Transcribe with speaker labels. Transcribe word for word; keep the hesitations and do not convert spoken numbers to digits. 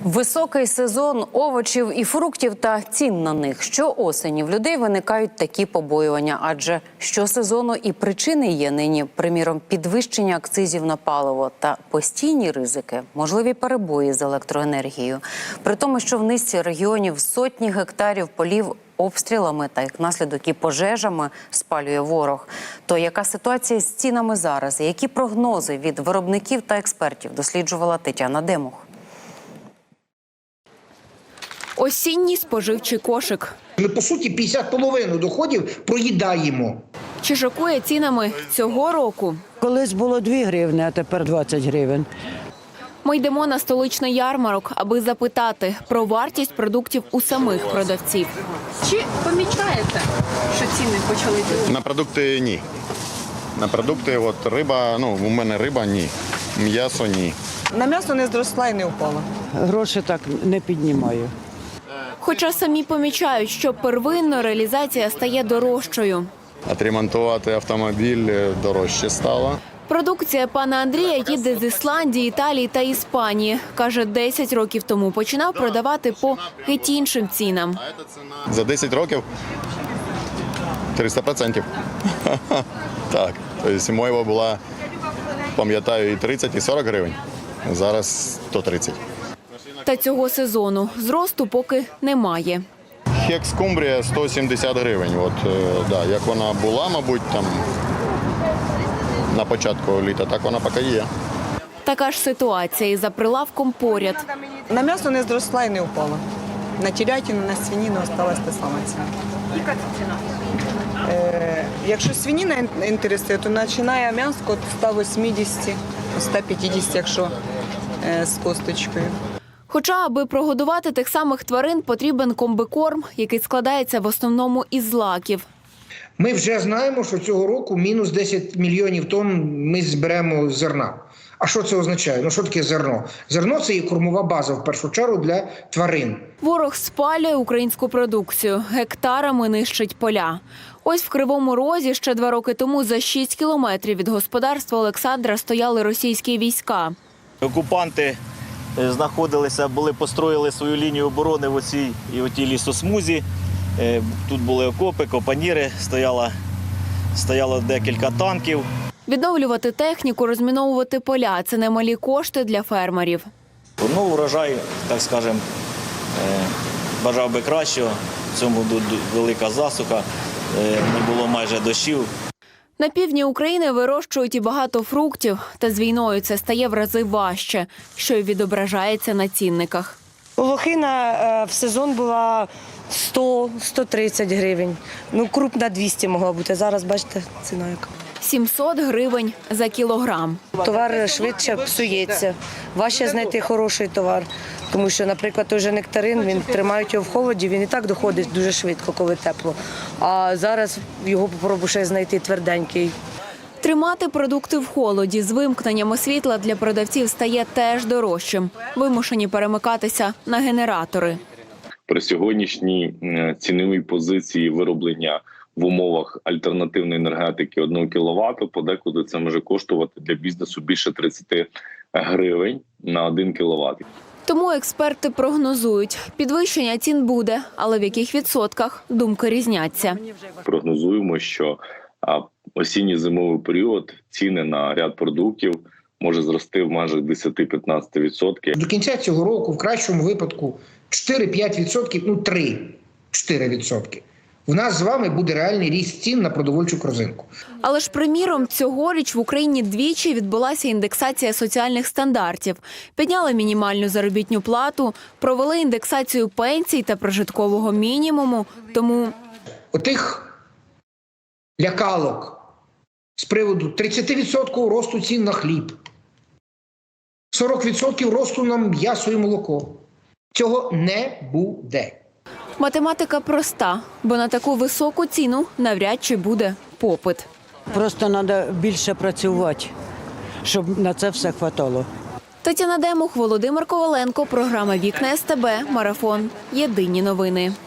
Speaker 1: Високий сезон овочів і фруктів та цін на них. Щоосені в людей виникають такі побоювання, адже щосезону і причини є нині, приміром, підвищення акцизів на паливо та постійні ризики, можливі перебої з електроенергією. При тому, що в низці регіонів сотні гектарів полів обстрілами та, як наслідок, і пожежами спалює ворог. То яка ситуація з цінами зараз? Які прогнози від виробників та експертів досліджувала Тетяна Демух.
Speaker 2: Осінній споживчий кошик.
Speaker 3: Ми, по суті, п'ятдесят половину доходів проїдаємо.
Speaker 2: Чи шокує цінами цього року?
Speaker 4: Колись було дві гривні, а тепер двадцять гривень.
Speaker 2: Ми йдемо на столичний ярмарок, аби запитати про вартість продуктів у самих продавців. Чи помічаєте, що ціни почали підвищуватися?
Speaker 5: На продукти – ні. На продукти, от риба, ну, у мене риба – ні. М'ясо – ні.
Speaker 6: На м'ясо не зросла і не впала.
Speaker 4: Гроші так не піднімаю.
Speaker 2: Хоча самі помічають, що первинно реалізація стає дорожчою.
Speaker 5: Отремонтувати автомобіль дорожче стало.
Speaker 2: Продукція пана Андрія їде з Ісландії, Італії та Іспанії. Каже, десять років тому починав продавати по геть іншим цінам.
Speaker 5: За десять років триста відсотків. Так, тобто моєва була, пам'ятаю, і тридцять, і сорок гривень. Зараз сто тридцять.
Speaker 2: Та цього сезону зросту поки немає.
Speaker 5: Хекс-скумбрія сто сімдесят гривень. От, да, як вона була, мабуть, там на початку літа, так вона поки є.
Speaker 2: Така ж ситуація і за прилавком поряд.
Speaker 6: На м'ясо не зросла і не впала. На телятину, на свинину осталась та сама ціна. Яка це ціна? Е, якщо свинина інтересує, то починає м'ясо від ста вісімдесят, ста п'ятдесят, якщо е, з косточкою.
Speaker 2: Хоча, аби прогодувати тих самих тварин, потрібен комбикорм, який складається в основному із злаків.
Speaker 3: Ми вже знаємо, що цього року мінус десять мільйонів тонн ми зберемо з зерна. А що це означає? Ну що таке зерно? Зерно – це є кормова база, в першу чергу, для тварин.
Speaker 2: Ворог спалює українську продукцію, гектарами нищить поля. Ось в Кривому Розі ще два роки тому за шість кілометрів від господарства Олександра стояли російські війська.
Speaker 7: Окупанти знаходилися, були, построїли свою лінію оборони в оцій і отій лісосмузі. Тут були окопи, копаніри, стояло, стояло декілька танків.
Speaker 2: Відновлювати техніку, розміновувати поля – це немалі кошти для фермерів.
Speaker 7: Ну, урожай, так скажемо, бажав би кращого. В цьому велика засуха, не було майже дощів.
Speaker 2: На півдні України вирощують і багато фруктів, та з війною це стає в рази важче, що й відображається на цінниках.
Speaker 8: Лохина в сезон була сто - сто тридцять гривень. Ну, крупна двісті могла бути. Зараз, бачите, ціна яка.
Speaker 2: сімсот гривень за кілограм.
Speaker 8: Товар швидше псується. Важче знайти хороший товар. Тому що, наприклад, той же нектарин, він тримають його в холоді, він і так доходить дуже швидко, коли тепло. А зараз його попробуй ще знайти тверденький.
Speaker 2: Тримати продукти в холоді з вимкненнями світла для продавців стає теж дорожчим. Вимушені перемикатися на генератори.
Speaker 9: При сьогоднішній ціновій позиції вироблення в умовах альтернативної енергетики одного кіловата, подекуди це може коштувати для бізнесу більше тридцяти гривень на один кіловат.
Speaker 2: Тому експерти прогнозують, підвищення цін буде, але в яких відсотках думки різняться.
Speaker 9: Прогнозуємо, що осінньо-зимовий період ціни на ряд продуктів може зрости в межах десять-п'ятнадцять відсотків.
Speaker 3: До кінця цього року, в кращому випадку, чотири-п'ять відсотків, ну три-чотири відсотки. У нас з вами буде реальний ріст цін на продовольчу корзинку.
Speaker 2: Але ж, приміром, цьогоріч в Україні двічі відбулася індексація соціальних стандартів. Підняли мінімальну заробітну плату, провели індексацію пенсій та прожиткового мінімуму. Тому
Speaker 3: отих лякалок з приводу тридцять відсотків росту цін на хліб, сорок відсотків росту на м'ясо і молоко. Цього не буде.
Speaker 2: математика проста, бо на таку високу ціну навряд чи буде попит.
Speaker 4: Просто треба більше працювати, щоб на це все хватало.
Speaker 2: Тетяна Демух, Володимир Коваленко, програма «Вікна ес те бе», марафон. Єдині новини.